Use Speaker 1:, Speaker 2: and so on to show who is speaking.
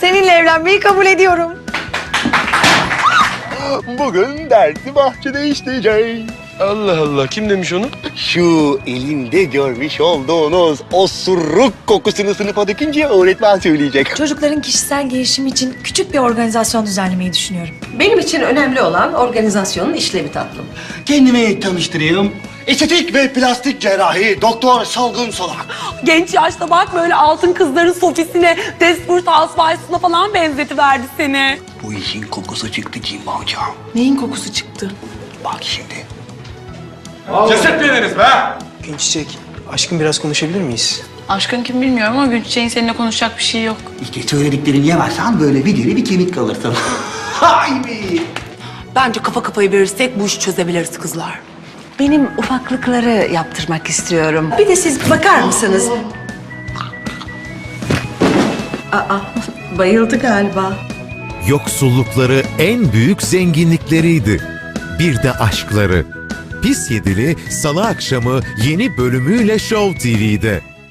Speaker 1: Seninle evlenmeyi kabul ediyorum.
Speaker 2: Bugün dersi bahçede işleyeceğiz.
Speaker 3: Allah Allah, kim demiş onu?
Speaker 2: Şu elimde görmüş olduğunuz osuruk kokusunu sınıfa dökünce öğretmen söyleyecek.
Speaker 1: Çocukların kişisel gelişimi için küçük bir organizasyon düzenlemeyi düşünüyorum.
Speaker 4: Benim için önemli olan organizasyonun işlevi tatlım.
Speaker 5: Kendimi tanıştırayım. Estetik ve plastik cerrahi Doktor Salgın Solak.
Speaker 6: Genç yaşta bak böyle altın kızların sofisine, Desperate Housewives'ına falan benzetiverdi seni.
Speaker 5: Bu işin kokusu çıktı Cimba hocam.
Speaker 1: Neyin kokusu çıktı?
Speaker 5: Bak şimdi.
Speaker 7: Ceset veriniz be!
Speaker 8: Günçiçek, aşkım biraz konuşabilir miyiz?
Speaker 9: Aşkın kim bilmiyorum ama Gülçiçek'in seninle konuşacak bir şey yok.
Speaker 5: İşte söylediklerini yemezsen böyle bir deri bir kemik kalırsın. Hay be!
Speaker 6: Bence kafa kafayı verirsek bu işi çözebiliriz kızlar.
Speaker 4: Benim ufaklıkları yaptırmak istiyorum. Bir de siz bakar mısınız? Aa, bayıldı galiba.
Speaker 10: Yoksullukları en büyük zenginlikleriydi. Bir de aşkları. Pis Yedili Salı akşamı yeni bölümüyle Show TV'de.